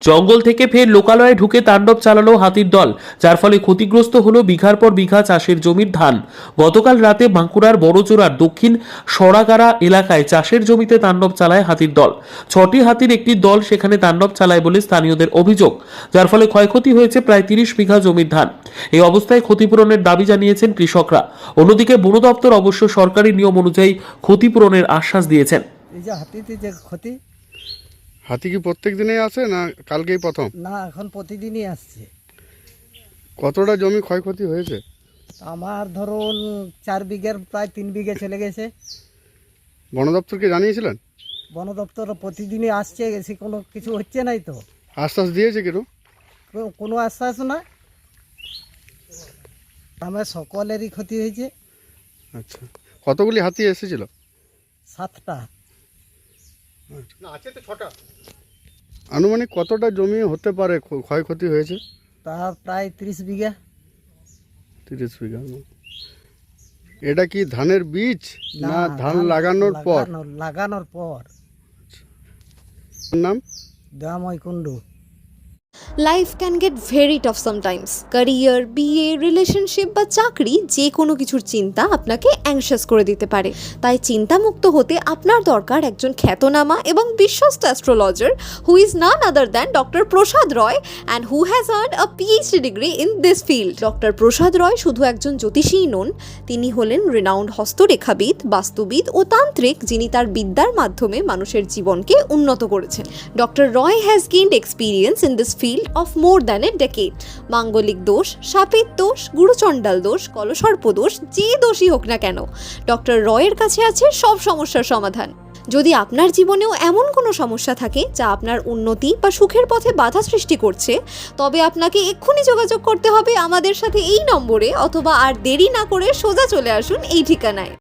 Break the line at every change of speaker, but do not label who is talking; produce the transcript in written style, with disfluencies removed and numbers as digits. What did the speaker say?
জঙ্গল থেকে ফের লোকালয়ে ঢুকে তাণ্ডব চালালো হাতির দল, যার ফলে ক্ষতিগ্রস্ত হলো বিঘার পর বিঘা চাষের জমির ধান। গতকাল রাতে বাঁকুড়ার বড়জোড়ার দক্ষিণ সরাগাড়া এলাকায় চাষের জমিতে তাণ্ডব চালায় হাতির দল। 6টি হাতির একটি দল সেখানে তাণ্ডব চালায় বলে স্থানীয়দের অভিযোগ, যার ফলে ক্ষয়ক্ষতি হয়েছে প্রায় 30 বিঘা জমির ধান। এই অবস্থায় ক্ষতিপূরণের দাবি জানিয়েছেন কৃষকরা। অন্যদিকে বন দপ্তর অবশ্য সরকারি নিয়ম অনুযায়ী ক্ষতিপূরণের আশ্বাস দিয়েছেন।
এই যে হাতিতে যে ক্ষতি,
হাতি কি প্রত্যেক দিনেই আসে না কালকেই প্রথম?
না এখন প্রতিদিনই আসছে।
কতটা জমি ক্ষয়ক্ষতি হয়েছে?
আমার ধরুন 4 বিঘার প্রায় 3 বিঘা চলে গেছে।
বন দপ্তরকে জানিয়েছিলেন?
বন দপ্তর প্রতিদিনই আসছে, এসে কোনো কিছু হচ্ছে নাই তো।
আশ্বাস দিয়েছে কেন?
কোনো আশ্বাস না। আমার সকলেরই ক্ষতি হয়েছে।
আচ্ছা, কতগুলি হাতি এসেছিল?
7টা।
আনুমানিক কতটা জমি হতে পারে ক্ষয়ক্ষতি হয়েছে?
তা প্রায় 30 বিঘা।
30 বিঘা। এটা কি ধানের বীজ না ধান লাগানোর পর?
লাগানোর পর।
নাম
দামই Kundu.
Life can get very tough sometimes. Career, বিয়ে, রিলেশনশিপ বা চাকরি, যে কোনো কিছুর চিন্তা আপনাকে অ্যাংশাস করে দিতে পারে। তাই চিন্তামুক্ত হতে আপনার দরকার একজন খ্যাতনামা এবং বিশ্বস্ত astrologer who is none other than doctor Prasad Roy and who has earned a PhD degree in this field. Doctor Prasad Roy শুধু একজন জ্যোতিষীই নন, তিনি হলেন রিনাউন্ড হস্তরেখাবিদ, বাস্তুবিদ ও তান্ত্রিক, যিনি তার বিদ্যার মাধ্যমে মানুষের জীবনকে উন্নত করেছেন। Doctor Roy has gained experience in this field of more than a decade. মাঙ্গলিক দোষ, সাপের দোষ, গুরুচণ্ডাল দোষ, কলসর্প দোষ, যে দোষই হোক না কেন, ডক্টর রয়ের কাছে আছে সব সমস্যার সমাধান। যদি আপনার জীবনেও এমন কোনো সমস্যা থাকে যা আপনার উন্নতি বা সুখের পথে বাধা সৃষ্টি করছে, তবে আপনাকে এক্ষুনি যোগাযোগ করতে হবে আমাদের সাথে এই নম্বরে, অথবা আর দেরি না করে সোজা চলে আসুন এই ঠিকানায়।